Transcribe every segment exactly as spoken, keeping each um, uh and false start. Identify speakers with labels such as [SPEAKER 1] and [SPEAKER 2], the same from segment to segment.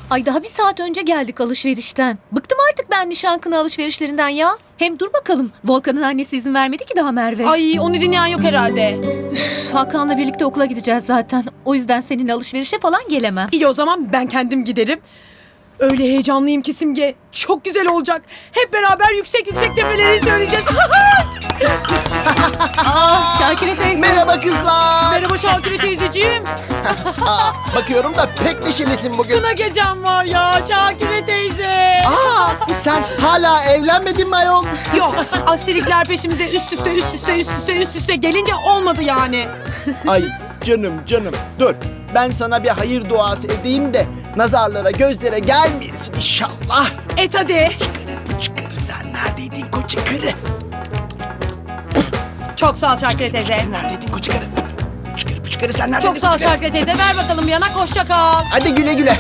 [SPEAKER 1] Ay daha bir saat önce geldik alışverişten. Bıktım artık ben nişan kına alışverişlerinden ya. Hem dur bakalım. Volkan'ın annesi izin vermedi ki daha Merve.
[SPEAKER 2] Ay onu dinleyen yok herhalde.
[SPEAKER 1] Üf, Hakan'la birlikte okula gideceğiz zaten. O yüzden seninle alışverişe falan gelemem.
[SPEAKER 2] İyi o zaman ben kendim giderim. Öyle heyecanlıyım ki Simge. Çok güzel olacak. Hep beraber yüksek yüksek tepeleri söyleyeceğiz.
[SPEAKER 1] Aa, Şakire teyze.
[SPEAKER 3] Merhaba kızlar.
[SPEAKER 2] Merhaba Şakire teyzeciğim.
[SPEAKER 3] Aa, bakıyorum da pek neşelisin bugün.
[SPEAKER 2] Kına gecem var ya Şakire teyze.
[SPEAKER 3] Aa, sen hala evlenmedin mi ayol?
[SPEAKER 2] Yok aksilikler peşimize üst üste üst üste üst üste üst üste gelince olmadı yani.
[SPEAKER 3] Ay canım canım dur. Ben sana bir hayır duası edeyim de nazarlara gözlere gelmeyesin inşallah.
[SPEAKER 2] Et hadi.
[SPEAKER 3] Çıkarı bu çıkarı sen neredeydin koca karı?
[SPEAKER 2] Çok sağ ol Şakire teyze.
[SPEAKER 3] Neredeydin koca karı? Çıkarı bu çıkarı sen neredeydin
[SPEAKER 2] Çok sağ ol
[SPEAKER 3] koca karı?
[SPEAKER 2] Şakire teyze. Ver bakalım bir yanak hoşça kal.
[SPEAKER 3] Hadi güle güle.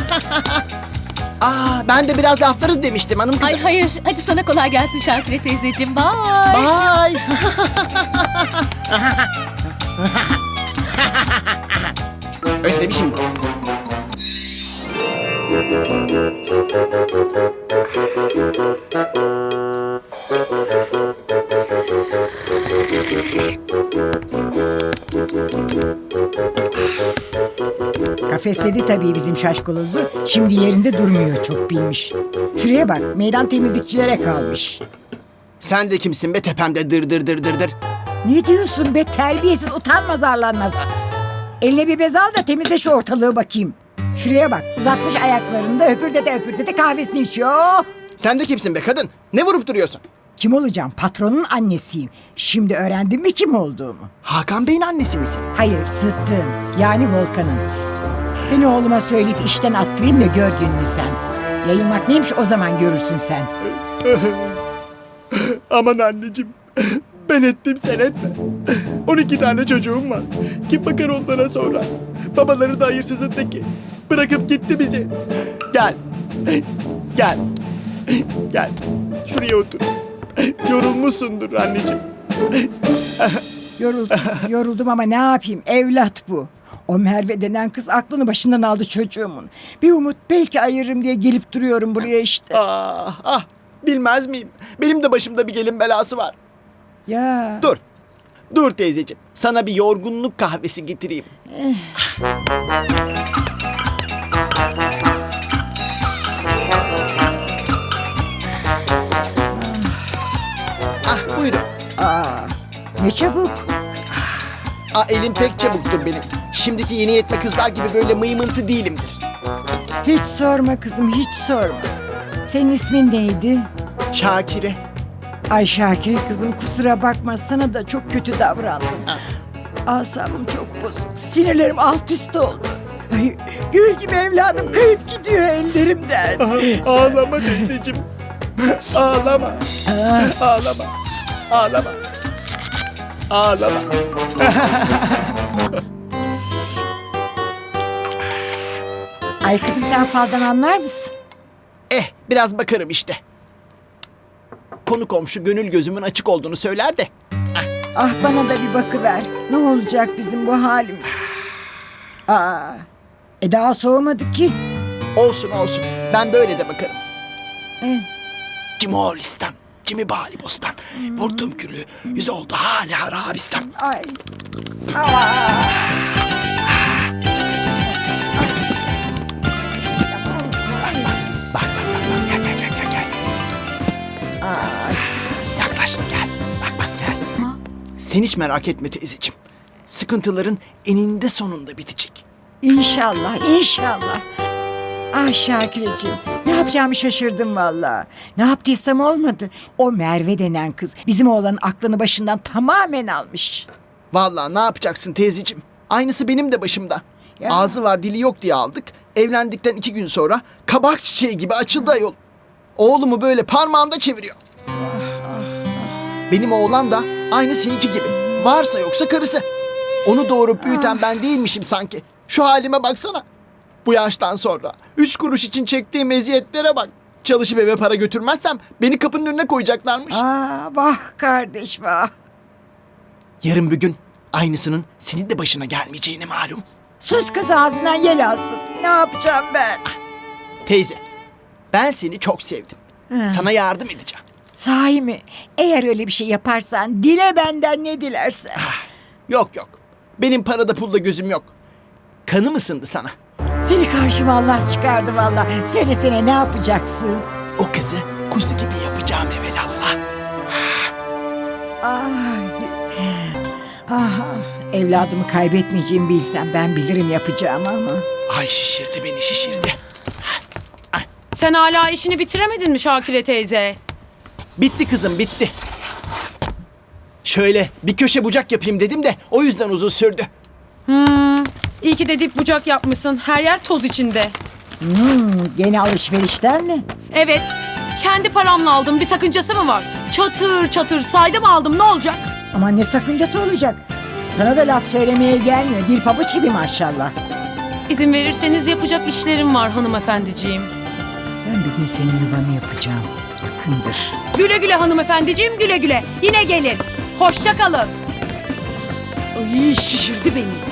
[SPEAKER 3] Aa, ben de biraz laflarız demiştim hanım kızım.
[SPEAKER 1] Ay hayır. Hadi sana kolay gelsin Şakire teyzeciğim. Bye.
[SPEAKER 3] Bye. Özlemişim.
[SPEAKER 4] Kafesledi tabii bizim şaşkalozu. Şimdi yerinde durmuyor, çok bilmiş. Şuraya bak, meydan temizlikçilere kalmış.
[SPEAKER 3] Sen de kimsin be tepemde dır dır dır dır dır.
[SPEAKER 4] Ne diyorsun be, terbiyesiz, utanmaz arlanmaz. Eline bir bez al da temizle şu ortalığı bakayım. Şuraya bak, uzatmış ayaklarında öpürdede öpürdede kahvesini içiyor.
[SPEAKER 3] Sen de kimsin be kadın? Ne vurup duruyorsun?
[SPEAKER 4] Kim olacağım? Patronun annesiyim. Şimdi öğrendin mi kim olduğumu?
[SPEAKER 3] Hakan Bey'in annesi misin?
[SPEAKER 4] Hayır, Sıddık'ın, yani Volkan'ın. Seni oğluma söyleyip işten attırayım da gör gününü sen. Yayılmak neymiş o zaman görürsün sen.
[SPEAKER 3] Aman anneciğim. Ben ettim sen etme. on iki tane çocuğum var. Kim bakar onlara sonra? Babaları da hayırsızın teki. Bırakıp gitti bizi. Gel. Gel. Gel. Şuraya otur. Yorulmuşsundur anneciğim.
[SPEAKER 4] Yoruldum, yoruldum ama ne yapayım? Evlat bu. O Merve denen kız aklını başından aldı çocuğumun. Bir umut belki ayırırım diye gelip duruyorum buraya işte.
[SPEAKER 3] Ah ah. Bilmez miyim? Benim de başımda bir gelin belası var.
[SPEAKER 4] Ya.
[SPEAKER 3] Dur. Dur teyzeciğim. Sana bir yorgunluk kahvesi getireyim. Ah buyurun.
[SPEAKER 4] Aa, ne çabuk.
[SPEAKER 3] Aa, elim pek çabuktur benim. Şimdiki yeni yetme kızlar gibi böyle mıymıntı değilimdir.
[SPEAKER 4] Hiç sorma kızım, hiç sorma. Senin ismin neydi?
[SPEAKER 3] Şakire.
[SPEAKER 4] Ay Şakire kızım, kusura bakma, sana da çok kötü davrandım.
[SPEAKER 3] Ah.
[SPEAKER 4] Asabım çok bozuk. Sinirlerim alt üst oldu. Ay, gül gibi evladım kayıp gidiyor ellerimden.
[SPEAKER 3] Ah, ağlama teyzeciğim. Ağlama. Ağlama. Ağlama. Ağlama.
[SPEAKER 4] Ay kızım, sen faldan anlar mısın?
[SPEAKER 3] Eh biraz bakarım işte. Konu komşu gönül gözümün açık olduğunu söyler de.
[SPEAKER 4] Ah, bana da bir bakıver. Ne olacak bizim bu halimiz? Aa, e daha soğumadı ki.
[SPEAKER 3] Olsun olsun. Ben böyle de bakarım.
[SPEAKER 4] Eh,
[SPEAKER 3] Cimoğlistan, Cimi Bali Bostan. Vurdum külü, yüz oldu hala Arabistan.
[SPEAKER 4] ay. Aa.
[SPEAKER 3] Bak bak bak bak gel gel gel gel gel.
[SPEAKER 4] Ay.
[SPEAKER 3] Yaklaş gel. Bak bak gel. Sen hiç merak etme teyzeciğim. Sıkıntıların eninde sonunda bitecek.
[SPEAKER 4] İnşallah, inşallah. Ah Şakireciğim, ne yapacağımı şaşırdım vallahi. Ne yaptıysam olmadı. O Merve denen kız bizim oğlanın aklını başından tamamen almış.
[SPEAKER 3] Vallahi ne yapacaksın teyzeciğim? Aynısı benim de başımda.
[SPEAKER 4] Ya.
[SPEAKER 3] Ağzı var dili yok diye aldık. Evlendikten iki gün sonra kabak çiçeği gibi açıldı ayol. Oğlumu böyle parmağında çeviriyor. Benim oğlan da aynı seninki gibi. Varsa yoksa karısı. Onu doğurup büyüten ben değilmişim sanki. Şu halime baksana. Bu yaştan sonra üç kuruş için çektiğim eziyetlere bak. Çalışıp eve para götürmezsem beni kapının önüne koyacaklarmış.
[SPEAKER 4] Aa, vah kardeş vah.
[SPEAKER 3] Yarın bir gün aynısının senin de başına gelmeyeceğini malum.
[SPEAKER 4] Sus kız, ağzından yel alsın. Ne yapacağım ben?
[SPEAKER 3] Teyze, ben seni çok sevdim. Sana yardım edeceğim.
[SPEAKER 4] Sahi mi? Eğer öyle bir şey yaparsan dile benden ne dilersen.
[SPEAKER 3] Yok yok. Benim parada pulda gözüm yok. Kanım ısındı sana.
[SPEAKER 4] Seni karşıma Allah çıkardı valla. Söylesene ne yapacaksın?
[SPEAKER 3] O kızı kuzu gibi yapacağım evelallah.
[SPEAKER 4] Ay. Ah, evladımı kaybetmeyeceğimi bilsem ben bilirim yapacağımı ama.
[SPEAKER 3] Ay şişirdi beni şişirdi.
[SPEAKER 2] Sen hala işini bitiremedin mi Şakire teyze?
[SPEAKER 3] Bitti kızım bitti. Şöyle bir köşe bucak yapayım dedim de o yüzden uzun sürdü.
[SPEAKER 2] Hmm, iyi ki de dip bucak yapmışsın. Her yer toz içinde.
[SPEAKER 4] Hmm, gene alışverişten mi?
[SPEAKER 2] Evet, kendi paramla aldım. Bir sakıncası mı var? Çatır çatır saydım aldım, ne olacak?
[SPEAKER 4] Ama ne sakıncası olacak? Sana da laf söylemeye gelmiyor. Dil pabuç gibi maşallah.
[SPEAKER 2] İzin verirseniz yapacak işlerim var hanımefendiciğim.
[SPEAKER 4] Ben bir gün senin yuvanı yapacağım. Yakındır.
[SPEAKER 2] Güle güle hanımefendiciğim, güle güle. Yine gelin. Hoşça kalın. Ay şişirdi beni.